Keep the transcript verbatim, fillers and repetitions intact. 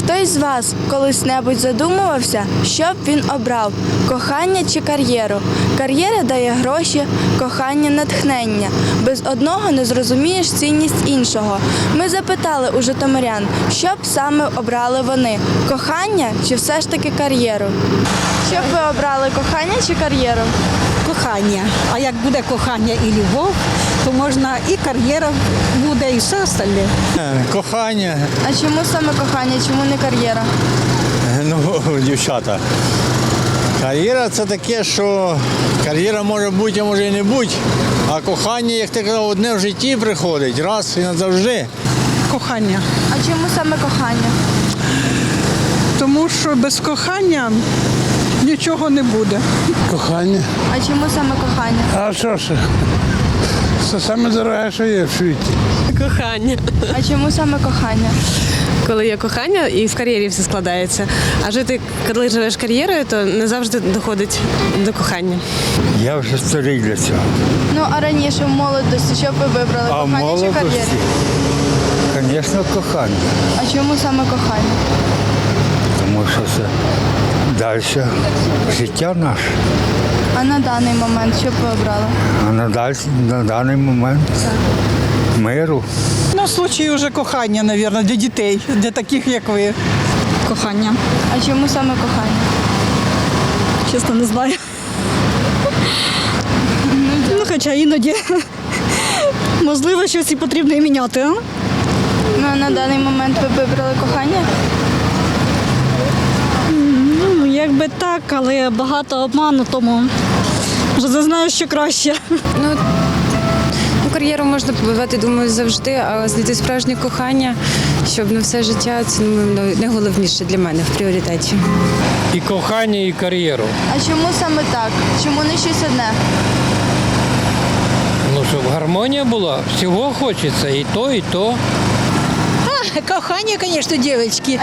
Хтось з вас колись-небудь задумувався, що б він обрав – кохання чи кар'єру? Кар'єра дає гроші, кохання – натхнення. Без одного не зрозумієш цінність іншого. Ми запитали у житомирян, що б саме обрали вони – кохання чи все ж таки кар'єру? Що б ви обрали – кохання чи кар'єру? Кохання. А як буде кохання і любов, то можна і кар'єра буде, і все остальне. Кохання, А чому саме кохання, чому не кар'єра? ну, дівчата. Кар'єра це таке, що кар'єра може бути, а може і не бути. А кохання, як ти казав, одне в житті приходить, раз і назавжди. Кохання. А чому саме кохання? Тому що без кохання нічого не буде. Кохання. А чому саме кохання? А що ж? Це саме дороге, що є в світі. Кохання. А чому саме кохання? Коли є кохання і в кар'єрі все складається. А жити, коли живеш кар'єрою, то не завжди доходить до кохання. Я вже старий для цього. Ну, а раніше в молодості, що б ви вибрали? А в Кохання чи молодості, кар'єру? звісно, кохання. А чому саме кохання? Тому що це далі життя наше. А на даний момент що б ви обрали? А на, даль... на даний момент миру. Ну, в случаї вже кохання, мабуть, для дітей, для таких, як ви. Кохання. А чому саме кохання? Чесно, не знаю. Ну, хоча іноді, можливо, щось і потрібно і міняти. А? Ну, а на даний момент ви б вибрали кохання? Ну, якби так, але багато обману, тому вже не знаю, що краще. Ну, ну, кар'єру можна побивати, думаю, завжди, а знайти справжнє кохання, щоб на все життя, це ну, найголовніше для мене в пріоритеті. І кохання, і кар'єру. А чому саме так? Чому не щось одне? Ну, щоб гармонія була, всього хочеться, і то, і то. Кохання, звісно, дівчатки.